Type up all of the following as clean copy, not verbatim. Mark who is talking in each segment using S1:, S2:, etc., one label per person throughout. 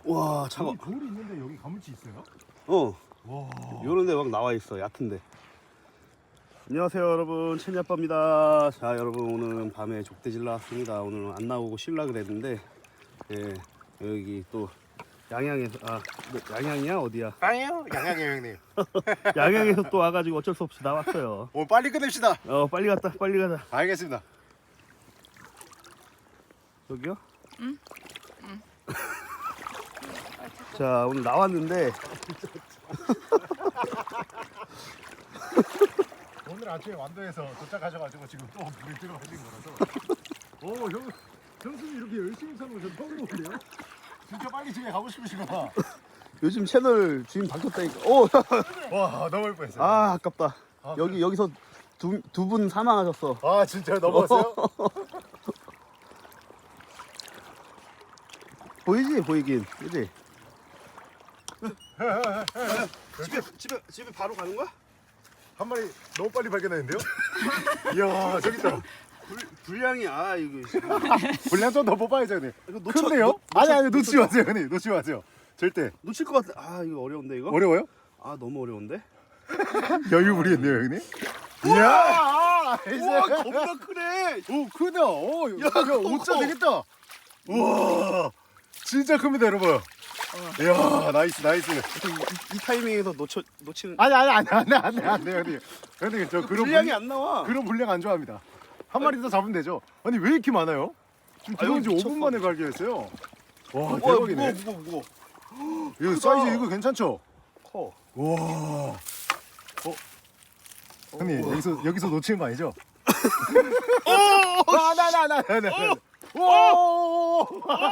S1: 와 차가.
S2: 여기 돌이 있는데 여기 가물치 있어요?
S1: 와. 요런데 막 나와 있어. 얕은데. 안녕하세요 여러분, 채니 아빠입니다. 자 여러분, 오늘은 밤에 족대질 나왔습니다. 오늘은 안 나오고 쉴라 그랬는데 여기 또 양양에서 양양이야 어디야?
S2: 아니요, 양양이에요 형님.
S1: 양양에서 또 와가지고 어쩔 수 없이 나왔어요.
S2: 오늘 빨리 끝냅시다.
S1: 빨리 가자.
S2: 알겠습니다.
S1: 여기요? 응. 자 오늘 나왔는데
S2: 오늘 아침에 완도에서 도착하셔가지고 지금 또 물에 들어가신 거라서. 형수님 이렇게 열심히 사는 거 처음 보는데요? 진짜 빨리 집에 가고 싶으시구나.
S1: 요즘 채널 주인 바뀌었다니까.
S2: 와, 너무 예뻐했어요.
S1: 아 아깝다.
S2: 아,
S1: 여기서 두 분 사망하셨어.
S2: 아, 진짜 넘어왔어요?
S1: 보이긴 그지? 집에 바로 가는 거야?
S2: 한 마리 너무 빨리 발견했는데요? 이야, 저기 있다.
S1: 분량이 이거
S2: 분량 좀 더 뽑아야죠, 형님.
S1: 이거
S2: 큰데요? 아니, 놓치지 마세요, 형님. 놓치지 마세요. 절대.
S1: 놓칠 것 같아. 이거 어려운데 이거?
S2: 어려워요?
S1: 너무 어려운데?
S2: 여유 부리겠네요, 형님. 이야!
S1: 우와 겁나 크네.
S2: 오, 크다. 야,
S1: 커.
S2: 5자 되겠다. 우와, 진짜 큽니다, 여러분. 이야, 나이스.
S1: 이 타이밍에서 놓치는.
S2: 아니, 형님. 형님, 저 그런
S1: 분량이 안 나와.
S2: 그런 분량 안 좋아합니다. 한 마리 더 잡으면 되죠. 아니, 왜 이렇게 많아요? 지금 들어온 지 5분 만에 발견했어요. 와, 대박이네.
S1: 무거워.
S2: 이거 사이즈 이거 괜찮죠?
S1: 커.
S2: 와. 형님, 여기서 놓치는 거 아니죠? 나. 오!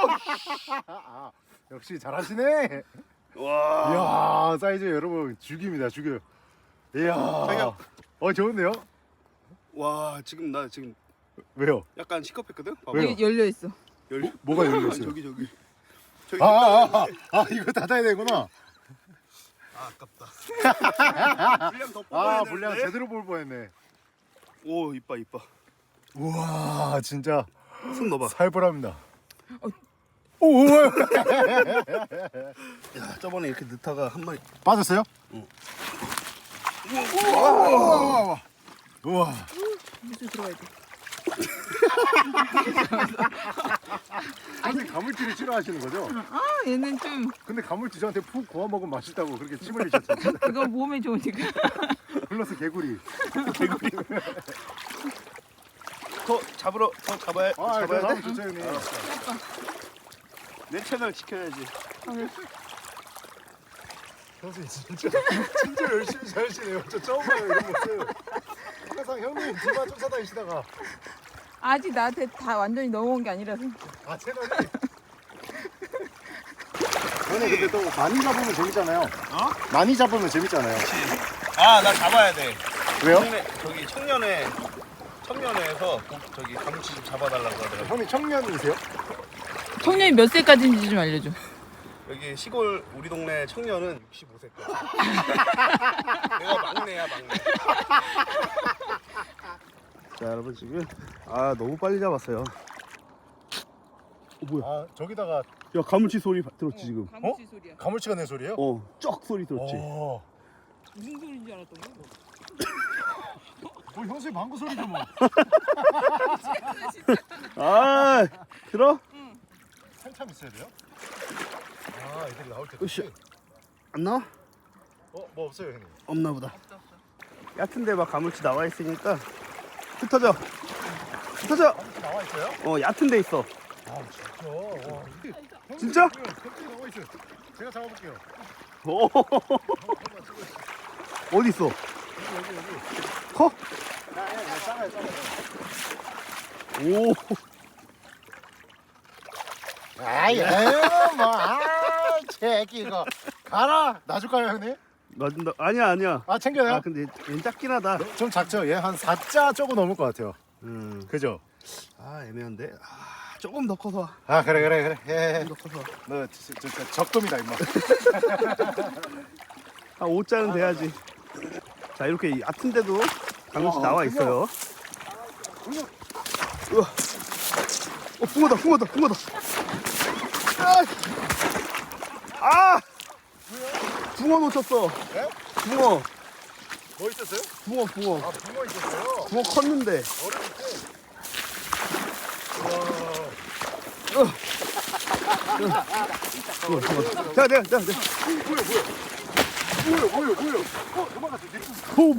S2: 역시 잘하시네.
S1: 와.
S2: 이야, 사이즈 여러분 죽입니다, 죽여요. 이야.
S1: 자기야.
S2: 좋은데요?
S1: 와 나 지금
S2: 왜요?
S1: 약간 시겁했거든.
S2: 왜요?
S3: 여기 열려 있어.
S2: 뭐가 열렸어요?
S1: 저기.
S2: 이거 닫아야 되구나.
S1: 아깝다. 분량 더 뽑아야
S2: 분량
S1: 되는데?
S2: 제대로 볼 뻔했네.
S1: 오 이뻐.
S2: 우와, 진짜
S1: 손 넣어봐.
S2: 살벌합니다. 오,
S1: 야 저번에 이렇게 넣다가 한 마리.
S2: 빠졌어요?
S1: 응.
S2: 우와.
S3: 무슨 들어가야 돼.
S2: 선생님 가물치를 싫어하시는 거죠?
S3: 얘는 좀
S2: 근데 가물치 저한테 푹 구워 먹으면 맛있다고 그렇게 침 흘리셨잖아요.
S3: 그건 몸에 좋으니까.
S2: 플러스 개구리.
S1: 더 잡아야 돼?
S2: 좋죠, 형님.
S1: 내 채널 지켜야지.
S2: 선생님 진짜 열심히 사시네요. 저 처음 봐요, 이런 모습. 항상 형님 뒤만 쫓아다니시다가
S3: 아직 나한테 다 완전히 넘어온 게 아니라서.
S2: 채널이. 형님 근데 또 많이 잡으면 재밌잖아요. 많이 잡으면 재밌잖아요.
S1: 나 잡아야 돼.
S2: 왜요?
S1: 저기 청년회에서 저기 가물치 좀 잡아달라고 하더라고.
S2: 형님 청년이세요?
S3: 청년이 몇 세까지인지 좀 알려줘.
S1: 여기 시골 우리 동네 청년은 65세까지. 내가 막내야. 자 여러분 지금 너무 빨리 잡았어요. 뭐야?
S2: 저기다가
S1: 야 가물치 소리 들었지 지금?
S3: 가물치 소리야.
S2: 가물치가 낸 소리예요?
S1: 쩍 소리 들었지?
S3: 무슨 소리인 줄 알았던 거야?
S2: 형수님 방구 소리죠 뭐.
S1: 들어?
S2: 한참 있어야 돼요? 애들이 나올 때.
S1: 으쌰. 안 나와?
S2: 뭐 없어요, 형님.
S1: 없나 보다. 얕은데 막 가물치 나와 있으니까 흩어져.
S2: 가물치 나와 있어요?
S1: 얕은 데 있어.
S2: 진짜. 와.
S1: 진짜?
S2: 가물치 나와 있어요. 제가 잡아볼게요.
S1: 어디 있어?
S2: 여기.
S1: 커?
S2: 작아요.
S1: 오.
S2: 새끼가 가라. 놔줄까요, 형님?
S1: 놔준다. 아니야.
S2: 챙겨요?
S1: 근데 얘는 작긴 하다.
S2: 좀 작죠? 얘 한 4자 조금 넘을 것 같아요. 그죠?
S1: 애매한데. 조금 더 커서.
S2: 그래.
S1: 조금 더 커서.
S2: 너 진짜 적금이다, 임마.
S1: 한 5자는 돼야지. 자 이렇게 얕은데도 가물치 나와 있어요. 붕어다. 붕어 놓쳤어.
S2: 예?
S1: 붕어.
S2: 뭐 있었어요?
S1: 붕어.
S2: 아, 붕어 있었어요.
S1: 붕어 컸는데.
S2: 얼음 밑에.
S1: 자, 내가.
S2: 뭐야? 도망갔어, 뒤로.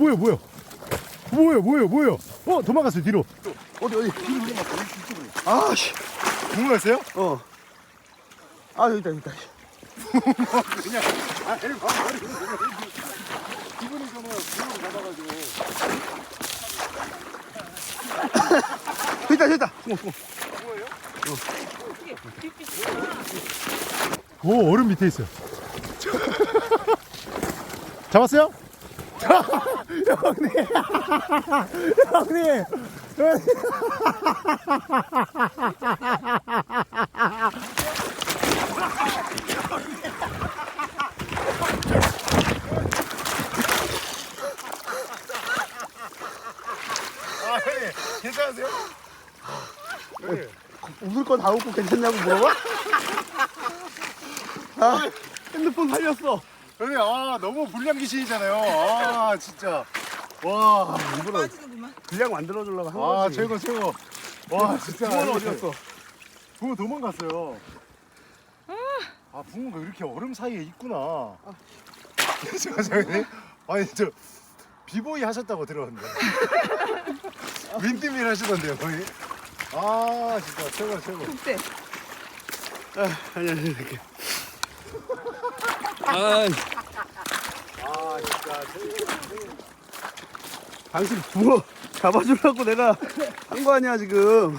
S2: 뭐야? 도망갔어, 뒤로.
S1: 어디?
S2: 뒤로 도망갔어, 이쪽으로.
S1: 아씨.
S2: 붕어였어요?
S1: 어. 아, 여기다.
S2: 그냥, 기분이 좋으면 붕어를 잡아가지고.
S1: 됐다.
S2: 붕어예요?
S4: 오, 얼음 밑에 있어요. 잡았어요? 형님.
S2: 아, 형님, 괜찮으세요? 형님.
S1: 웃을 거 다 웃고 괜찮냐고 물어봐? 아, 핸드폰 살렸어.
S2: 형님, 너무 불량 귀신이잖아요. 아, 진짜. 와,
S1: 일부러
S3: 빠지는구만.
S1: 분량 만들어주려고 한
S2: 와,
S1: 거지.
S2: 최고. 와, 진짜.
S1: 붕어는 어디 갔어?
S2: 붕어 도망갔어요. 붕어가 이렇게 얼음 사이에 있구나. 괜찮으세요? 아니, 저 비보이 하셨다고 들었는데. 윈드밀 하시던데요, 거의. 아, 진짜 최고.
S3: 국대.
S1: 아니, 이렇게.
S2: 진짜 최고.
S1: 당신 붕어 잡아주려고 내가 한 거 아니야, 지금.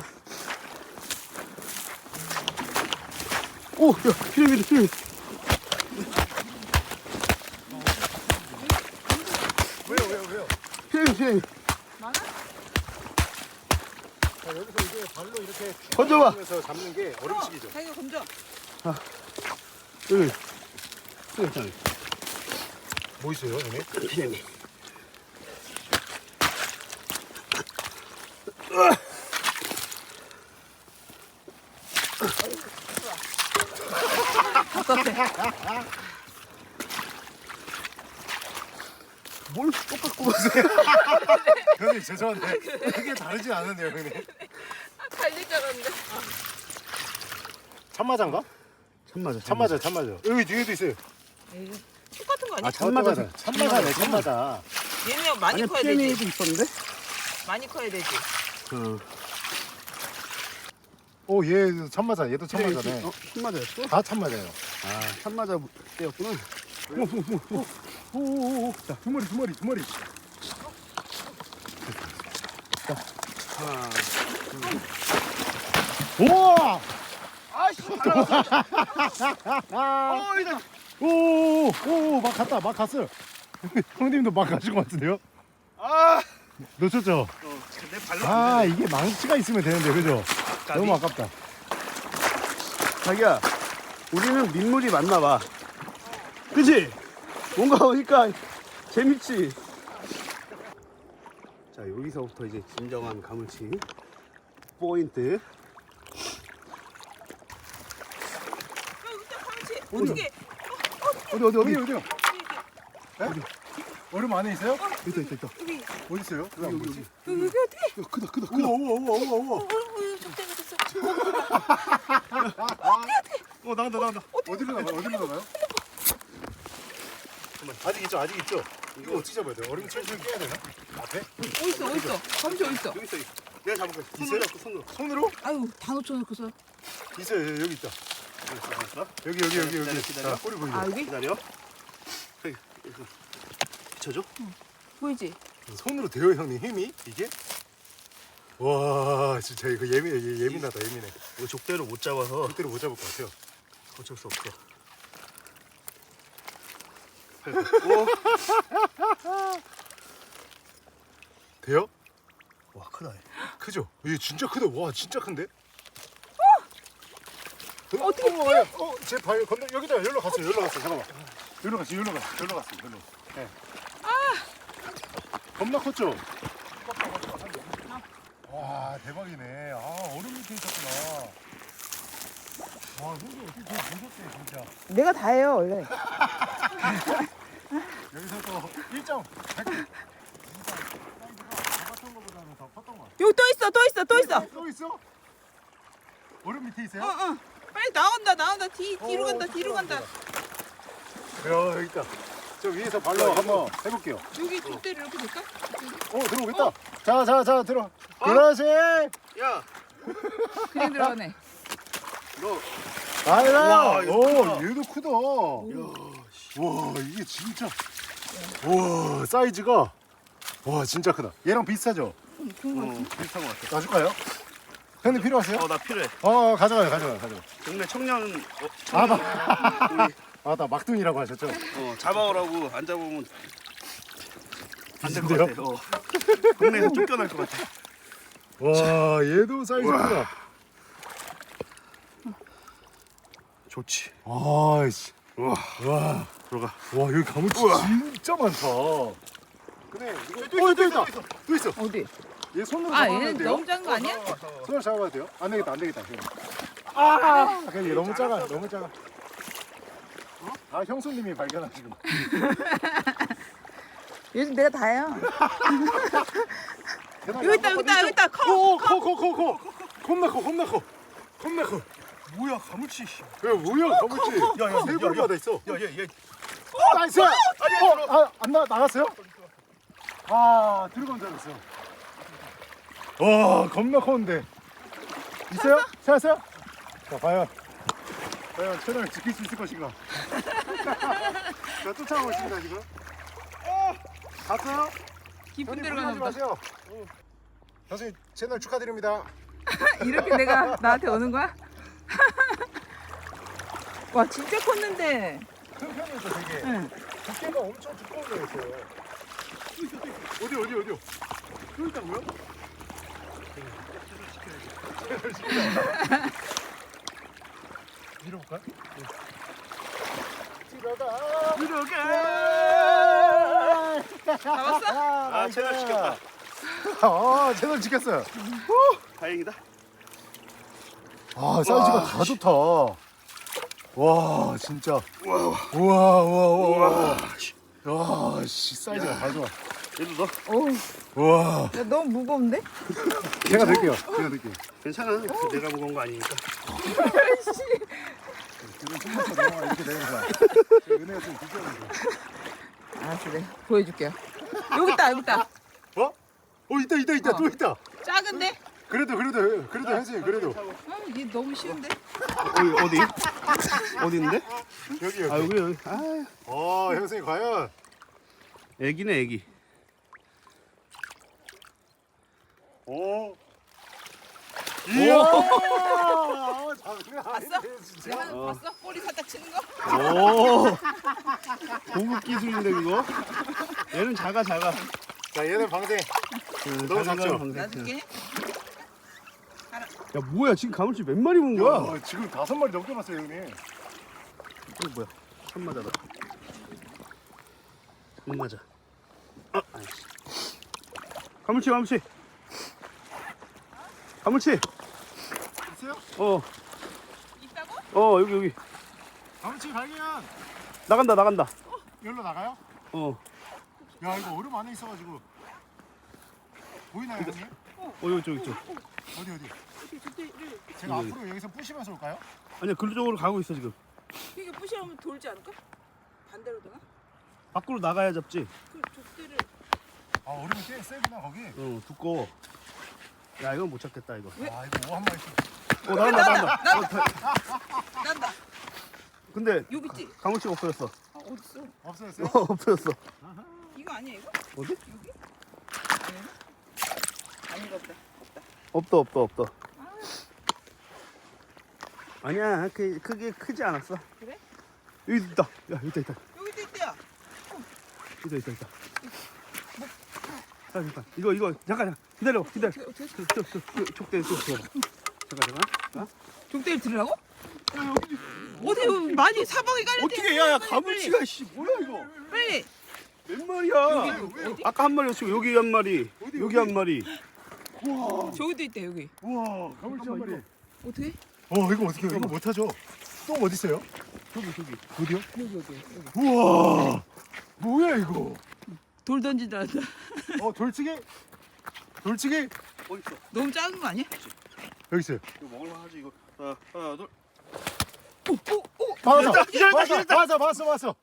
S1: 오, 야, 피라미드.
S2: 왜요?
S1: 피라미드.
S3: 많아?
S2: 자, 여기서 이제 발로 이렇게
S1: 던져봐.
S2: 하면서 잡는 게 얼음식이죠.
S3: 자기가 건져.
S1: 여기. 여기.
S2: 뭐 있어요, 형님?
S1: 피라미드.
S3: 답답해.
S1: 뭘 똑같고 가세요?
S2: 형님 죄송한데 크게 다르진 않은데요, 형님.
S3: 달릴 줄 알았는데.
S2: 참마자인가?
S1: 참맞아.
S2: 참마자. 여기 뒤에도 있어요.
S3: 에이, 똑같은 거 아니야?
S2: 참마자.
S3: 얘는 많이
S1: 아니,
S3: 커야 되지.
S1: 피라미드도 있었는데?
S3: 많이 커야 되지.
S2: 오, 얘 참마자. 얘도 참마자네.
S1: 참맞아였어?
S2: 다 참마자예요.
S1: 아, 참맞아 때였구나.
S2: 오. 자, 두 마리.
S1: 하나.
S2: 우와!
S1: 아씨,
S2: 오, 막 갔어요. 형님도 막 가신 것 같은데요?
S1: 아,
S2: 놓쳤죠?
S1: 내 발로.
S2: 이게 망치가 있으면 되는데, 그죠? 너무 아깝다.
S1: 자기야, 우리는 민물이 맞나 봐. 그치? 뭔가 오니까 재밌지? 자, 여기서부터 이제 진정한 가물치 포인트.
S3: 어떻게?
S2: 어디요? 네? 얼음 안에 있어요?
S1: 있다.
S3: 여기
S2: 어디 있어요?
S1: 여기.
S3: 어떻게?
S1: 야, 크다.
S2: 우와.
S3: 좀 떼어졌어.
S1: 나간다.
S2: 어디로 나가요? 아직 있죠? 이거 어떻게 잡아야 돼요? 얼음 철철 깨야 되나? 앞에?
S3: 어딨어? 감시 어딨어?
S1: 여기 있어. 내가 잡을 거야.
S2: 있어요?
S1: 손으로.
S2: 손으로?
S3: 아유, 다 놓쳐놓고서.
S2: 있어요. 여기 있다.
S1: 잡았어?
S2: 여기.
S1: 기다려.
S2: 자, 꼬리 보이죠?
S3: 아, 여기?
S1: 기다려. 여기. 붙여줘.
S3: 보이지?
S2: 손으로 돼요, 형님. 힘이? 이게? 와, 진짜 이거 예민하다.
S1: 이거 족대로 못 잡아서
S2: 그대로 못 잡을 것 같아요.
S1: 어쩔 수 없어. 오,
S2: 돼요?
S1: 와, 크다. 얘.
S2: 크죠? 이게 진짜 크다. 와, 진짜 큰데?
S3: 어떻게
S2: 피해? 제 발 건너 여기다 여기로 갔어요. 잠깐만. 여기로 갔어. 네. 겁나 컸죠? 와, 대박이네. 얼음 밑에 있었구나. 와, 형님 어떻게 그걸 보셨대, 진짜.
S3: 내가 다 해요, 원래.
S2: 여기서 또 1점. 진짜 사이즈가 잡았던 것보다는 더 컸던 것 같아.
S3: 여기 또 있어, 또 있어, 또 있어.
S2: 또 있어? 얼음 밑에 있어요?
S3: 응. 빨리 나온다. 뒤로 간다, 뒤로 간다.
S2: 야, 여기 있다. 저 위에서 발로 한번 해볼게요.
S3: 여기 족대를 이렇게 될까?
S2: 들어오겠다. 자, 들어. 그렇지.
S1: 야,
S3: 그냥 들어가네.
S1: 너
S2: 아이라.
S1: 와, 이거
S2: 오,
S1: 크다.
S2: 얘도 크다. 와, 이게 진짜. 와, 사이즈가. 와, 진짜 크다. 얘랑 비슷하죠?
S1: 비슷한 것 같아.
S2: 놔줄까요? 형님 필요하세요?
S1: 나 필요해.
S2: 가져가요.
S1: 동네 청년,
S2: 나 막둥이라고 하셨죠?
S1: 잡아오라고 안 잡으면 안 될 것
S2: 비슷한데요?
S1: 같아. 동네에서 쫓겨날 것 같아.
S2: 와, 얘도 사이즈 크다.
S1: 좋지.
S2: 아이씨.
S1: 와, 들어가.
S2: 와, 여기 가물치 진짜 많다. 근데 이거 또 있어.
S3: 어디?
S2: 얘 손으로
S3: 아,
S2: 잡아야
S3: 얘는
S2: 돼요?
S3: 너무 작은 거 아니야?
S2: 손으로 잡아야 돼요? 안 되겠다. 그냥 얘 너무 작아. 형수님이 발견하시고.
S3: 요즘 내가 다요. 여기 있다.
S2: 커. 겁나 커.
S1: 뭐야, 가물치.
S2: 야, 뭐야, 가물치.
S1: 야,
S2: 세 마리마다 있어.
S1: 야, 얘.
S2: 나이스. 안 나갔어요? 들어간 줄 알았어요. 와, 겁나 커는데. 있어요? 찾았어요? 자, 과연 채널 지킬 수 있을 것인가? 자, 쫓아가고 있습니다, 지금. 갔어요?
S3: 깊은
S2: 형님,
S3: 데로 가나
S2: 무리하지
S3: 보다.
S2: 마세요. 선생님, 채널 축하드립니다.
S3: 이렇게 내가 나한테 오는 거야? 와, 진짜 컸는데.
S2: 큰 편이죠, 되게.
S3: 응.
S2: 두께가 엄청 두꺼운 거였어요. 어디요? 여기 있다고요? 밀어볼까요?
S3: 잡았어?
S1: 채널 지켰다.
S2: 채널 지켰어요.
S1: 다행이다.
S2: 사이즈가 다 좋다. 와, 진짜. 우와. 야, 씨, 사이즈가 다 좋아.
S1: 얘도 너
S3: 어우, 야, 너무 무거운데?
S2: 제가 들게요.
S1: 괜찮아. 내가 무거운 거 아니니까.
S2: 지금 손목서 넘어가 이렇게 되는 거야. 은혜가 좀 비교하는 거.
S3: 알았어, 네. 보여줄게요. 여기 있다.
S2: 있다. 또 있다.
S3: 작은데?
S2: 그래도 현수님, 그래도.
S3: 얘 너무 쉬운데?
S1: 어디 있는데?
S2: 여기.
S1: 여기.
S2: 형수님, 과연.
S1: 애기네, 애기.
S2: 이야!
S3: 봤어? 내가 봤어? 꼬리 살짝 치는 거?
S1: 오, 고급 기술인데 그거? 얘는 작아.
S2: 자, 얘는 방생. 너무 작죠?
S3: 놔줄게.
S1: 야, 뭐야, 지금 가물치 몇 마리 본 거야?
S2: 지금 5마리 넘게 봤어요, 형님.
S1: 이거 뭐야? 참맞아다. 참맞아. 아이씨. 가물치.
S2: 있어요?
S3: 있다고?
S1: 여기.
S2: 가물치 발견!
S1: 나간다.
S2: 여기로 나가요? 야, 이거 얼음 안에 있어가지고. 보이나요, 형님?
S1: 여기 쪽.
S2: 어디? 제가 앞으로 여기서 부시면서 올까요?
S1: 아니야, 그쪽으로 가고 있어, 지금.
S3: 이게 부시하면 돌지 않을까? 반대로 되나?
S1: 밖으로 나가야 잡지.
S3: 그 족대를.
S2: 얼음이 꽤 세구나, 거기.
S1: 두꺼워. 야, 이건 못 찾겠다, 이거.
S2: 이거 오 한 마리씩.
S1: 나간다.
S3: 난다.
S1: 근데
S3: 여기 있지?
S1: 가물치가 없어졌어.
S3: 어딨어?
S2: 없어졌어요?
S1: 없어졌어.
S3: 이거 아니야 이거?
S1: 어디?
S3: 여기? 아닌가 보다.
S1: 없다. 아니야, 크게 크지 않았어.
S3: 그래?
S1: 여기 있다. 야, 여기 있다.
S3: 여기도 있대요.
S1: 있다. 잠깐. 이거 잠깐 기다려. 촉대 좀 줘봐. 잠깐.
S3: 족대를 들으라고? 어디 많이 사방에 깔려.
S1: 어떻게 야, 가물치가 씨 뭐야 이거?
S3: 빨리.
S1: 몇 마리야? 아까 한 마리였고 여기 한 마리. 여기 한 마리.
S3: 저기도 있대 여기.
S2: 우와, 가물치 한 마리.
S3: 어떻게?
S2: 이거 어떻게 이거 못하죠? 똥 어디 있어요? 어디요? 우와, 뭐야 이거?
S3: 돌 던지다 한다.
S2: 돌치기? 돌치기?
S1: 어딨어?
S3: 너무 작은 거 아니야?
S2: 여기 있어요.
S1: 이거 먹을만 하지 이거. 하나 둘.
S2: 맞았다.
S1: 기절했다.
S2: 맞았어.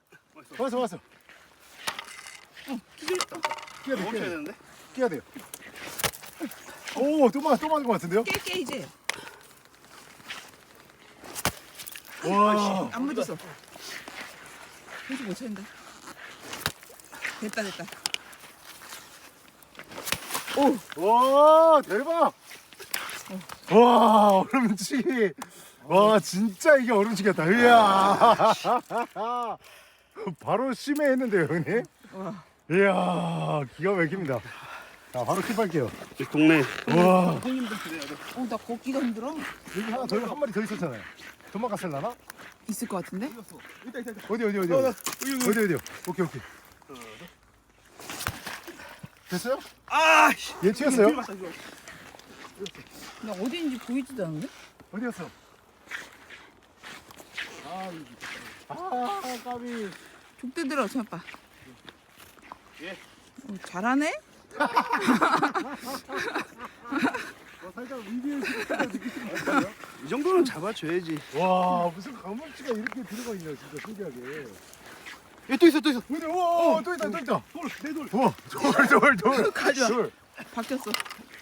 S2: 끼야 돼.
S1: 멈춰야 되는데.
S2: 끼야 돼요. 오, 또 맞은 것 같은데요?
S3: 깨 이제.
S2: 와,
S3: 안 묻었어. 계속 못 찾는다. 됐다.
S2: 와, 대박. 와, 얼음치기. 와, 진짜 이게 얼음치기였다. 이야. 바로 심해했는데요, 형님.
S3: 와.
S2: 이야, 기가 막힙니다. 자, 바로 킵할게요.
S1: 이 동네
S2: 와,
S1: 형님들 그래야 돼.
S3: 나 걷기가 힘들어.
S2: 여기 한 마리 더 있었잖아요. 도망갔을라나?
S3: 있을 것 같은데?
S1: 있다.
S2: 어디?
S1: 여기.
S2: 어디요? 오케이. 됐어요?
S1: 아, 씨.
S2: 얘 튀었어요?
S3: 나 어디인지 보이지도 않는데?
S2: 어디였어? 까비.
S3: 족대 들어, 참빠.
S1: 예.
S3: 잘하네?
S2: 살짝 위기의 시간을 느끼시는 것 같아요.
S1: 이 정도는 잡아줘야지.
S2: 와, 무슨 가물치가 이렇게 들어가 있냐, 진짜 신기하게.
S1: 얘 또 있어.
S2: 어디? 오, 또 있다.
S1: 내 돌.
S2: 우와, 돌.
S3: 가져와.
S2: 돌.
S3: 바뀌었어.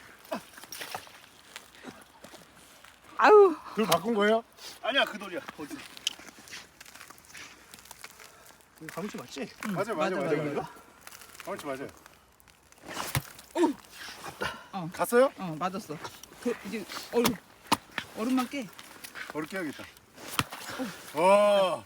S3: 아유,
S2: 돌 바꾼 거예요?
S1: 아니야 그 돌이야. 어디? 이거 가물치 맞지?
S2: 맞아.
S3: 맞아.
S2: 가물치 맞아요.
S3: 어.
S2: 갔어요?
S3: 맞았어. 이제 얼음만 깨.
S2: 얼음 깨야겠다. 와.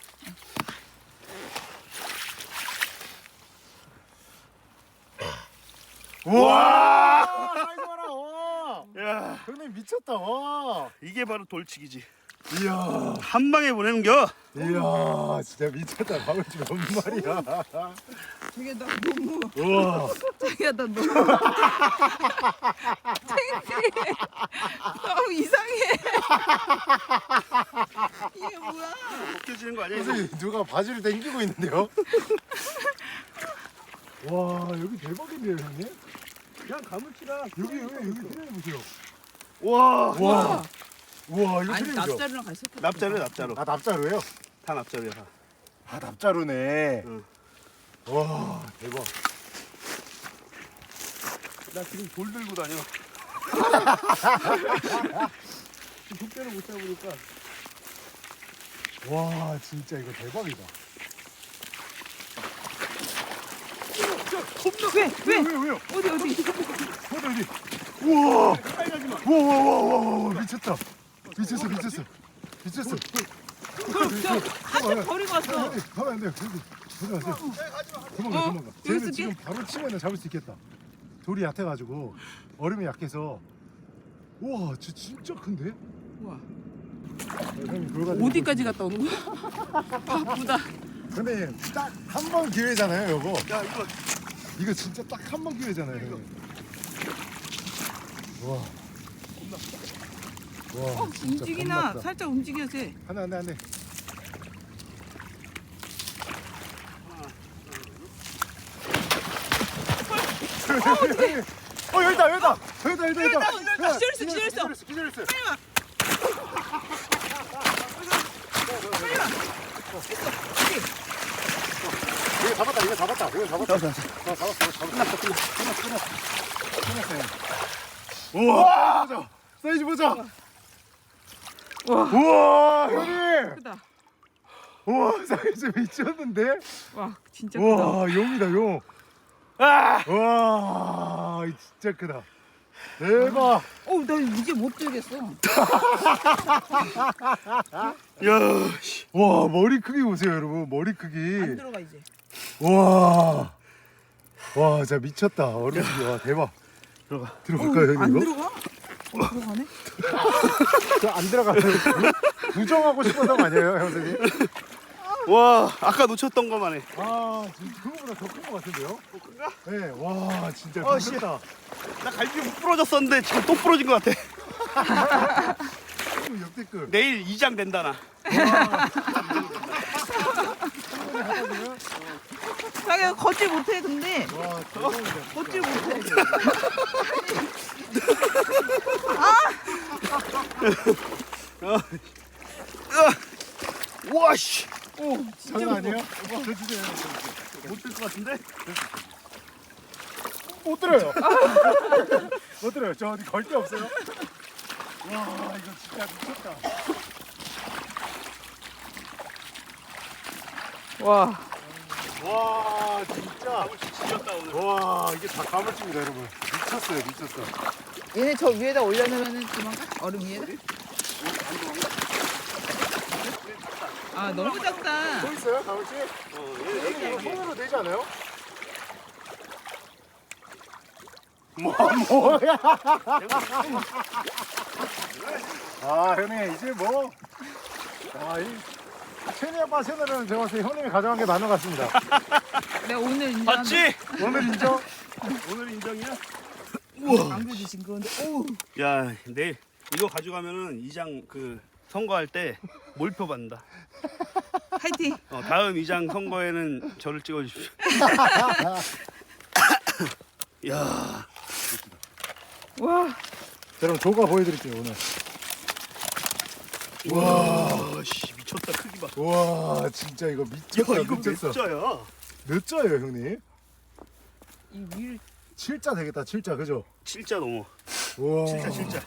S2: 와! 사이즈 봐라. 와.
S1: 야,
S2: 형님 미쳤다. 와.
S1: 이게 바로 돌치기지.
S2: 이야.
S1: 한 방에 보내는겨.
S2: 이야, 진짜 미쳤다. 가물치 몇 마리야.
S3: 자기야, 나 너무.
S2: 우와.
S3: 자기야, 나 너무. 창피해. 너무 이상해. 이게 뭐야?
S1: 벗겨지는 거 아니야? 이거?
S2: 선생님, 누가 바지를 당기고 있는데요? 와, 여기 대박인데요, 형님?
S1: 그냥 가물치라.
S2: 여기 트레이 보세요.
S1: 와.
S2: 와. 우와, 이거
S3: 아니,
S2: 트레이죠?
S3: 납자루랑 같이 섞어.
S1: 납자루.
S2: 아, 납자루예요?
S1: 다 납자루야. 다.
S2: 아, 납자루네.
S1: 응.
S2: 와, 대박.
S1: 나 지금 돌 들고 다녀. 독대를 못 잡으니까.
S2: 와, 진짜 이거 대박이다.
S3: 왜?
S2: 왜요?
S3: 어디?
S2: 어디? 우와! 우와, 미쳤다. 미쳤어.
S3: 한쪽 버리고 왔어.
S2: 가면 안 돼요. 가져가세요. 도망가.
S3: 여기
S2: 쟤는
S3: 있을게.
S2: 지금 바로 치면 잡을 수 있겠다. 돌이 얕아가지고 얼음이 약해서. 우와, 진짜 큰데?
S3: 우와.
S2: 형님 그거 가지고
S3: 어디까지 갔다 오는 거야? 바쁘다.
S2: 근데 딱 한 번 기회잖아요, 요거.
S1: 야 이거
S2: 이거 진짜 딱 한 번 기회잖아요. 형님. 와, 진짜
S3: 움직이나
S2: 겁났다.
S3: 살짝 움직여야지.
S2: 안 돼. 여기 있다.
S3: 기절했어.
S2: 이거 잡았다.
S1: 잡았어.
S2: 끝났어요. 우와, 사이즈 보자. 우와, 형님.
S3: 크다.
S2: 우와, 사이즈 미쳤는데?
S3: 와, 진짜 크다.
S2: 우와, 용이다, 용. 와, 진짜 크다. 대박.
S3: 나 이제 못 들겠어.
S1: 야, 씨.
S2: 와, 머리 크기 보세요, 여러분. 머리
S3: 안
S2: 크기.
S3: 들어가 이제.
S2: 와, 진짜 미쳤다. 어른이 와, 대박. 들어갈까요,
S3: 안
S2: 형님 이거?
S3: 들어가? 들어가네?
S2: 안 들어가요. 부정하고 싶어서가 아니에요, 형님.
S1: 와, 아까 놓쳤던 거만 해.
S2: 진짜 그거보다 더 큰 것 같은데요? 네, 와, 진짜
S1: 씨.
S2: 미쳤다.
S1: 나 갈비 못 부러졌었는데 지금 또 부러진 것 같아.
S2: 형님 역대급.
S1: 내일 이장 된다 나.
S3: 자기가 걷질 못해 근데
S2: 와 대박이다.
S3: 걷질 못해.
S1: 우와 씨.
S2: 장난 아니에요? 저 주세요.
S1: 못될 것 같은데?
S2: 못 들어요. 못 들어요. 저 어디 걸 데 없어요? 와 이거 진짜 미쳤다.
S3: 와.
S2: 와 진짜.
S1: 지렸다 오늘.
S2: 와 이게 다 가물치입니다 여러분. 미쳤어요 미쳤어.
S3: 얘네 저 위에다 올려놓으면은 도망가? 얼음 위에다? 아 너무 작다.
S2: 또 있어요 가물치?
S1: 얘
S2: 이거 손으로 되지 않아요? 뭐야? 아 형님 이제 뭐? 아이 채니 아빠 채널은 제가 봤을 때 형님이 가져간 게 많은 것 같습니다.
S3: 내가 오늘 인정.
S1: 봤지?
S2: 오늘 인정?
S1: 오늘 인정이야?
S3: 안 그러신 건데. 오.
S1: 야 내일 이거 가져가면은 이장 그 선거할 때 몰표 받는다.
S3: 화이팅.
S1: 다음 이장 선거에는 저를 찍어주십시오. 야
S3: 와.
S2: 여러분 조가 보여드릴게요 오늘.
S1: 와, 씨 미쳤다 크기 봐.
S2: 와 진짜 이거 미쳤다.
S1: 야 이거
S2: 미쳤어.
S1: 몇 자야?
S2: 몇 자예요 형님?
S3: 이 위를
S2: 7자 되겠다 7자 그죠?
S1: 진짜 넘어.
S2: 와
S1: 진짜.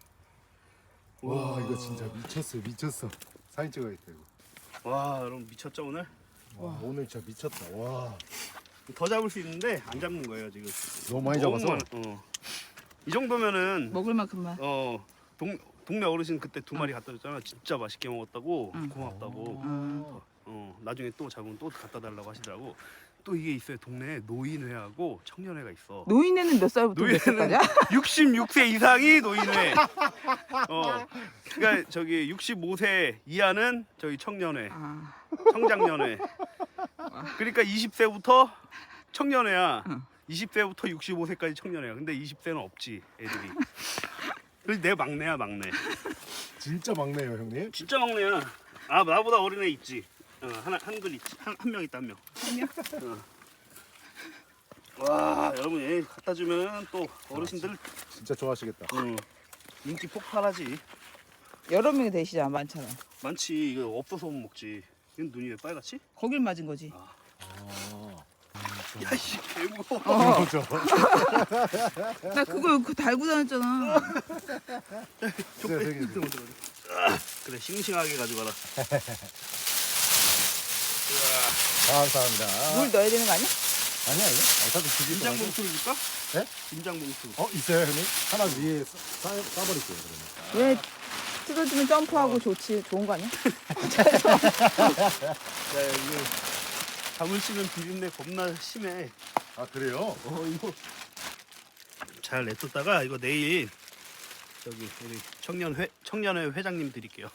S2: 와 이거 진짜 미쳤어요 미쳤어. 사진 찍어야겠다 이거.
S1: 와 여러분 미쳤죠 오늘?
S2: 와 오늘 진짜 미쳤다. 와
S1: 더 잡을 수 있는데 안 잡는 거예요 지금.
S2: 너무 많이 잡아서.
S1: 이 정도면은
S3: 먹을 만큼만.
S1: 동네 어르신 그때 2마리 갖다 줬잖아. 진짜 맛있게 먹었다고
S3: 응.
S1: 고맙다고. 나중에 또 잡으면 또 갖다 달라고 하시더라고. 또 이게 있어요. 동네에 노인회하고 청년회가 있어.
S3: 노인네는 몇 살부터 몇 살까지야?
S1: 66세 이상이 노인회. 그러니까 저기 65세 이하는 저기 청년회,
S3: 아.
S1: 청장년회. 그러니까 20세부터 청년회야.
S3: 응.
S1: 20세부터 65세까지 청년회야. 근데 20세는 없지 애들이. 그래서 내 막내야 막내.
S2: 진짜 막내예요 형님.
S1: 진짜 막내야. 아 나보다 어린 애 있지. 한글 있지. 한 명 있다 한 명.
S3: 한 명?
S1: 와 여러분 얘 갖다 주면 또 어르신들
S2: 진짜 좋아하시겠다.
S1: 인기 폭발하지.
S3: 여러 명이 되시잖아 많잖아.
S1: 많지. 이거 없어서 못 먹지. 이건 눈이 왜 빨갛지?
S3: 거길 맞은 거지.
S1: 야씨 개무거워.
S2: 그렇죠.
S3: 나 그거 달고 다녔잖아.
S1: 그래 싱싱하게 가져가라.
S2: 감사합니다.
S3: 물 넣어야 되는 거 아니야?
S2: 아니야 이거. 어차피 죽일
S1: 김장
S2: 거라서.
S1: 봉투를 줄까?
S2: 네?
S1: 김장 봉투.
S2: 있어요 형님? 하나 위에 싸버릴게요 그러면.
S3: 왜 뜯어주면 점프하고 좋지. 좋은 거 아니야?
S1: 야 이거 잠을 씹는 비린내 겁나 심해.
S2: 아 그래요?
S1: 이거 잘 냅뒀다가 이거 내일 저기 우리 청년회 회장님 드릴게요.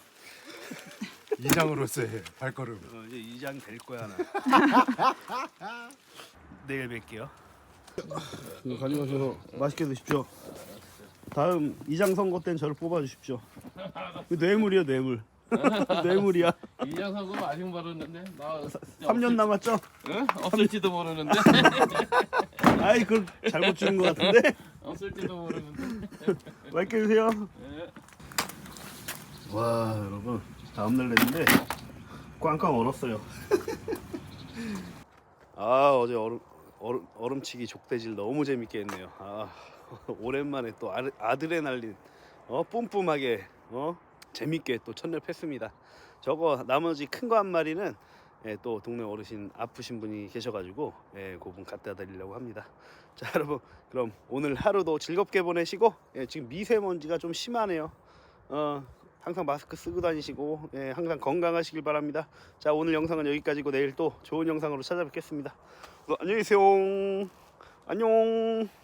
S2: 이장으로서의 발걸음.
S1: 이제 이장 될 거야 나. 내일 뵐게요. 이거 가져가셔서 맛있게 드십시오. 다음 이장 선거 때는 저를 뽑아주십시오. 뇌물이요 뇌물. 뇌물이야.
S5: 이장 선거 아직 모르는데 나
S1: 3년 남았죠?
S5: 응? 없을지도 모르는데
S1: 아이 그걸 잘못 주는 것 같은데.
S5: 없을지도 모르는데
S1: 맛있게 드세요.
S5: 네.
S1: 와 여러분 다음날 냈는데 꽝꽝 얼었어요. 아 어제 얼음치기 족대질 너무 재밌게 했네요. 오랜만에 또 아드레날린 뿜뿜하게 재밌게 또 첫날 팼습니다. 저거 나머지 큰 거 한 마리는 또 동네 어르신 아프신 분이 계셔가지고 그분 갖다 드리려고 합니다. 자 여러분 그럼 오늘 하루도 즐겁게 보내시고 지금 미세먼지가 좀 심하네요. 항상 마스크 쓰고 다니시고 항상 건강하시길 바랍니다. 자 오늘 영상은 여기까지고 내일 또 좋은 영상으로 찾아뵙겠습니다. 안녕히 계세요. 안녕.